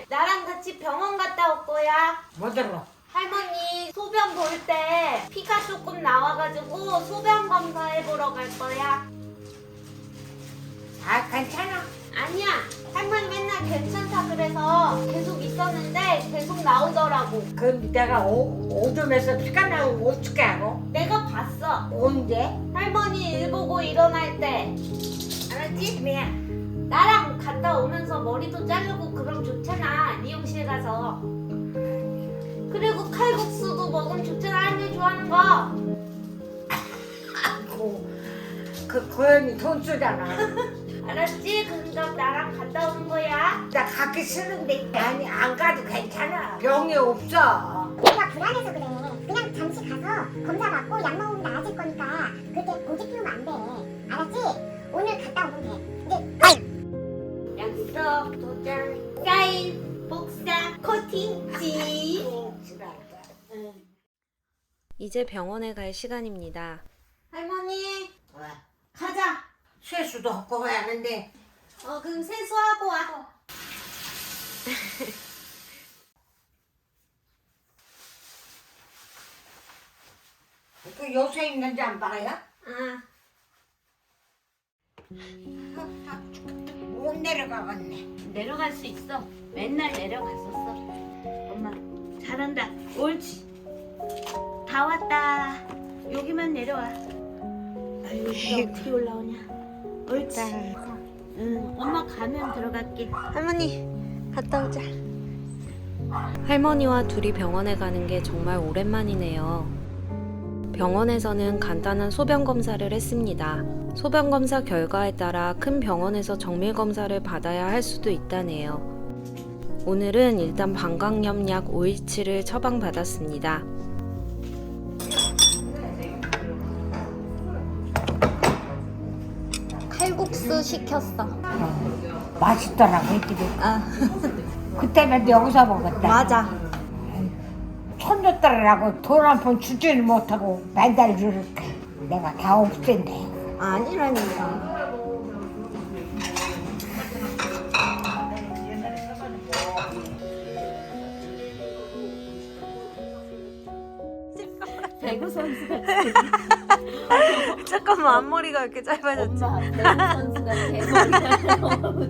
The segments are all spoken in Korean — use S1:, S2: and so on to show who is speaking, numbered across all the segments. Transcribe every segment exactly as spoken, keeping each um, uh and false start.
S1: 나랑 같이 병원 갔다 올 거야.
S2: 뭐 들어?
S1: 할머니 소변 볼 때 피가 조금 나와가지고 소변 검사해보러 갈 거야.
S2: 아 괜찮아.
S1: 아니야, 할머니 맨날 괜찮다 그래서 계속 있었는데 계속 나오더라고.
S2: 그 내가 오, 오줌에서 피가 나오면 어떻게 하고?
S1: 내가 봤어.
S2: 언제?
S1: 할머니 일 보고 일어날 때. 알았지?
S2: 미야.
S1: 나랑 갔다 오면서 머리도 자르고 그럼 좋잖아, 미용실 가서. 그리고 칼국수도 먹으면 좋잖아, 할머니 좋아하는 거.
S2: 아이고 그 고현이 돈 쓰잖아.
S1: 알았지? 그러니까 나랑 갔다 오는 거야.
S2: 나 가기 싫은데 아니 안 가도 괜찮아. 병이 없어.
S3: 내가 불안해서 그래. 그냥 잠시 가서 검사 받고 약 먹으면 나아질 거니까 그렇게 고집 피우면 안 돼. 알았지? 오늘 갔다 오면 돼. 이제
S1: 약속, 도장, 사인, 복사, 코팅지. 응.
S4: 이제 병원에 갈 시간입니다.
S1: 할머니,
S2: 왜?
S1: 가자.
S2: 세수도 하고 가야 하는데
S1: 어, 그럼 세수하고 와.
S2: 그 요새 있는지 안 봐요?
S1: 아,
S2: 못 내려가겠네.
S1: 내려갈 수 있어. 맨날 내려갔었어. 엄마, 잘한다. 옳지. 다 왔다. 여기만 내려와. 아유, 여기가 어떻게 올라오냐. 옳지. 응, 엄마 가면 들어갈게.
S4: 할머니, 갔다 오자. 할머니와 둘이 병원에 가는 게 정말 오랜만이네요. 병원에서는 간단한 소변 검사를 했습니다. 소변 검사 결과에 따라 큰 병원에서 정밀 검사를 받아야 할 수도 있다네요. 오늘은 일단 방광염약 오일치를 처방받았습니다.
S1: 칼국수 시켰어.
S2: 어, 맛있더라고 이들이.
S1: 아,
S2: 그때는 여기서 먹었다.
S1: 맞아.
S2: 손녀딸이라고 돈 한 푼 주지를 못하고 매달 이렇게 내가 다 없앤대.
S1: 아니라니까. 배구 선수 같아.
S4: 잠깐만, 앞머리가 이렇게 짧아졌지?
S1: 엄마 배구 선수가 대머리가 너무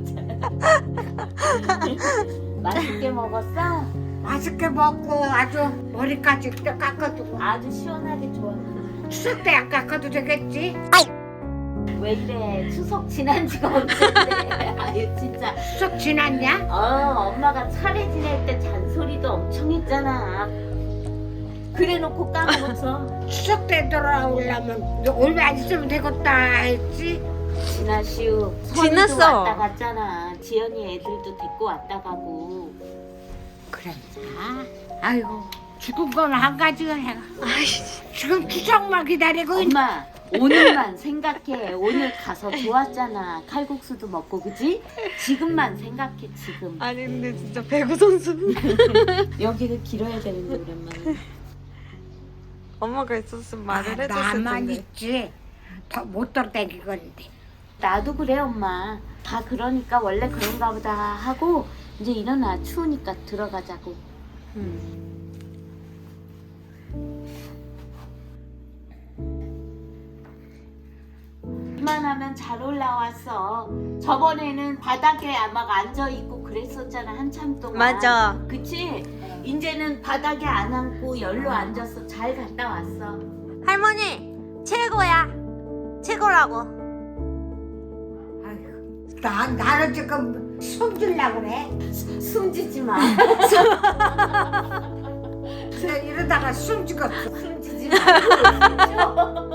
S1: 잘. 맛있게 먹었어?
S2: 맛있게 먹고 아주 머리까지 또 깎아주고.
S1: 아주 시원하게 좋아.
S2: 추석 때 안 깎아도 되겠지?
S1: 왜 이래? 추석 지난 지가 언젠데. 아유 진짜.
S2: 추석 지났냐?
S1: 어, 엄마가 차례 지낼 때 잔소리도 엄청 했잖아. 그래놓고 까먹었어.
S2: 추석 때 돌아오려면 얼마 안 있으면 되겠다 했지?
S1: 지나시우.
S4: 지났어.
S1: 선이도 왔다 갔잖아. 지연이 애들도 데리고 왔다 가고.
S2: 그래. 아, 아이고 죽은 건 한 가지가 해가. 지금 추석만 기다리고 있.
S1: 엄마 오늘만 생각해. 오늘 가서 좋았잖아. 칼국수도 먹고 그지? 지금만 생각해 지금.
S4: 아니, 근데 진짜 배구 선수.
S1: 여기를 길어야 되는데 오랜만에.
S4: 엄마가 있었으면 말을
S2: 아,
S4: 해줬을
S2: 나만
S4: 텐데.
S2: 있지. 더 못 돌아다니건데.
S1: 나도 그래 엄마. 다 그러니까 원래 그런가 보다 하고 이제 일어나. 추우니까 들어가자고.
S4: 음.
S1: 이만하면 잘 올라왔어. 저번에는 바닥에 막 앉아있고 그랬었잖아 한참 동안.
S4: 맞아.
S1: 그치? 이제는 바닥에 안 앉고 열로 앉아서 잘 갔다 왔어.
S4: 할머니, 최고야. 최고라고.
S2: 아이고, 나 나는 지금 숨질라고 그래.
S1: 숨지지 마.
S2: 그래 이러다가 숨지겠어.
S1: 숨지지 말고.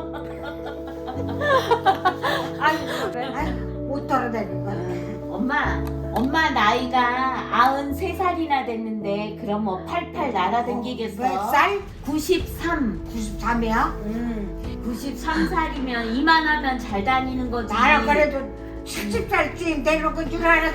S2: 아이고 그래. 아이고 못 돌아다니건.
S1: 엄마, 엄마 나이가 아흔세 살이나 됐는데 그럼 뭐 팔팔 날아다니겠어?
S2: 몇 살?
S1: 구십삼.
S2: 구십삼이야?
S1: 음, 구십삼 살이면 이만하면 잘 다니는 거지.
S2: 나는 그래도 칠십 살쯤 내려온 줄 알았어.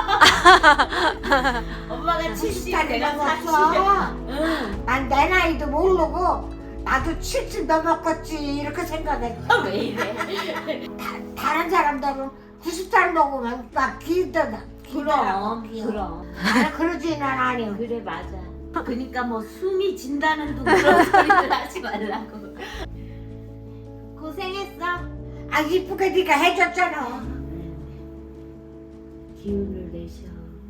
S1: 엄마가 칠십,
S2: 살
S1: 내가 사십.
S2: 넘었어.
S1: 응.
S2: 난 내 나이도 모르고 나도 칠십 넘었겠지 이렇게 생각했어.
S1: 왜 이래?
S2: 다, 다른 사람들은 구십 살 먹으면 막 기더라.
S1: 그럼 그럼
S2: 아, 그러지는 않아요.
S1: 그래 맞아. 그러니까 뭐 숨이 진다는 둥 그런 소리를 하지 말라고. 고생했어.
S2: 아, 이쁘게 네가 해줬잖아.
S1: 기운을 내셔.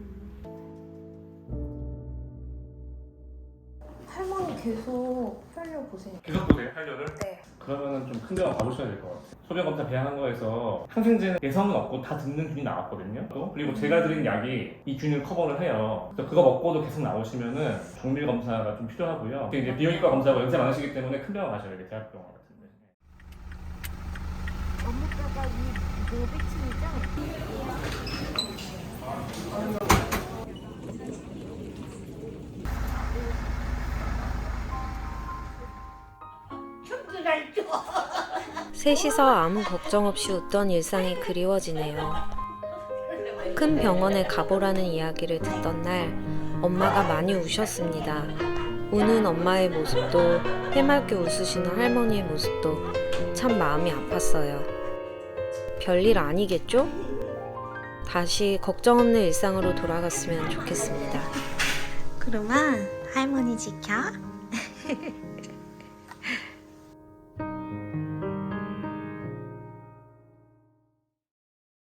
S5: 할머니 계속 혈뇨 보세요.
S6: 계속 보세요, 혈뇨를?
S5: 네.
S6: 그러면은 좀 큰 병원 가보셔야 될 것 같아요. 소변검사 배양한 거에서 항생제는 개성은 없고 다 듣는 균이 나왔거든요. 또 그리고 제가 드린 약이 이 균을 커버를 해요. 그래서 그거 먹고도 계속 나오시면은 정밀 검사가 좀 필요하고요. 이제 비형외과 검사가 연세 많으시기 때문에 큰 병원 가셔야 돼요, 대학병원 같은데.
S1: 업무과가 이 노비층이죠?
S2: 춤추랄 줄.
S4: 셋이서 아무 걱정 없이 웃던 일상이 그리워지네요. 큰 병원에 가보라는 이야기를 듣던 날 엄마가 많이 우셨습니다. 우는 엄마의 모습도 해맑게 웃으시는 할머니의 모습도 참 마음이 아팠어요. 별일 아니겠죠? 다시 걱정 없는 일상으로 돌아갔으면 좋겠습니다.
S7: 그러면 할머니 지켜.